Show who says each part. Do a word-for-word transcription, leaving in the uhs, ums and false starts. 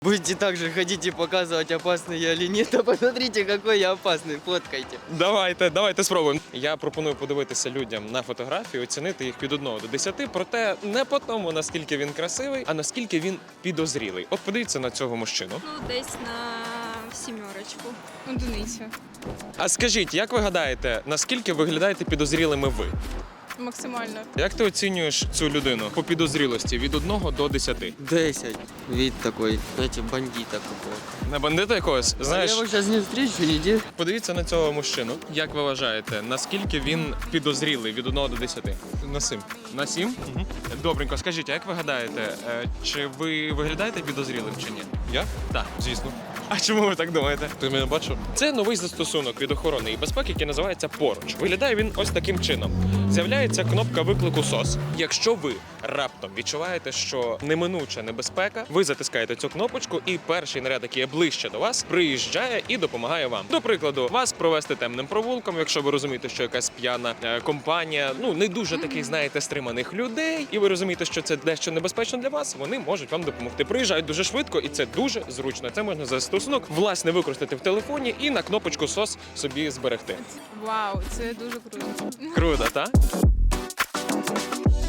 Speaker 1: Будете также ходить и показывать, опасный я или нет, а посмотрите, какой я опасный, фоткайте.
Speaker 2: Давайте, давайте спробуємо. Я пропоную подивитися людям на фотографії, оцінити їх від одного до десяти, проте не по тому, наскільки він красивий, а наскільки він підозрілий. От подивіться на цього мужчину.
Speaker 3: Ну, десь на сімерочку. Одиницю.
Speaker 2: А скажіть, як ви гадаєте, наскільки виглядаєте підозрілими ви?
Speaker 3: Максимально.
Speaker 2: Як ти оцінюєш цю людину по підозрілості від одного до десяти?
Speaker 1: десять. Вид такой, знаете, бандита какого-то.
Speaker 2: На бандита якогось? Знаєш,
Speaker 1: Я его сейчас не встречу, нигде.
Speaker 2: подивіться на цього мужчину. Як ви вважаєте, наскільки він підозрілий від одного до десяти?
Speaker 4: На сім.
Speaker 2: На сім? Угу. Добренько, скажіть, а як ви гадаєте, е, чи ви виглядаєте підозрілим чи ні?
Speaker 4: Я?
Speaker 2: Так.
Speaker 4: Звісно.
Speaker 2: А чому ви так думаєте?
Speaker 4: Ти мене бачив?
Speaker 2: Це новий застосунок від охорони і безпеки, який називається «Поруч». Виглядає він ось таким чином. З'являється кнопка виклику СОС. Якщо ви раптом відчуваєте, що неминуча небезпека, ви затискаєте цю кнопочку, і перший наряд, який є ближче до вас, приїжджає і допомагає вам. До прикладу, вас провести темним провулком, якщо ви розумієте, що якась п'яна е, компанія, ну не дуже таких, знаєте, стриманих людей, і ви розумієте, що це дещо небезпечно для вас, вони можуть вам допомогти. Приїжджають дуже швидко, і це дуже зручно. Це можна застосунок власне використати в телефоні і на кнопочку СОС собі зберегти.
Speaker 3: Вау, це дуже круто.
Speaker 2: Круто, так?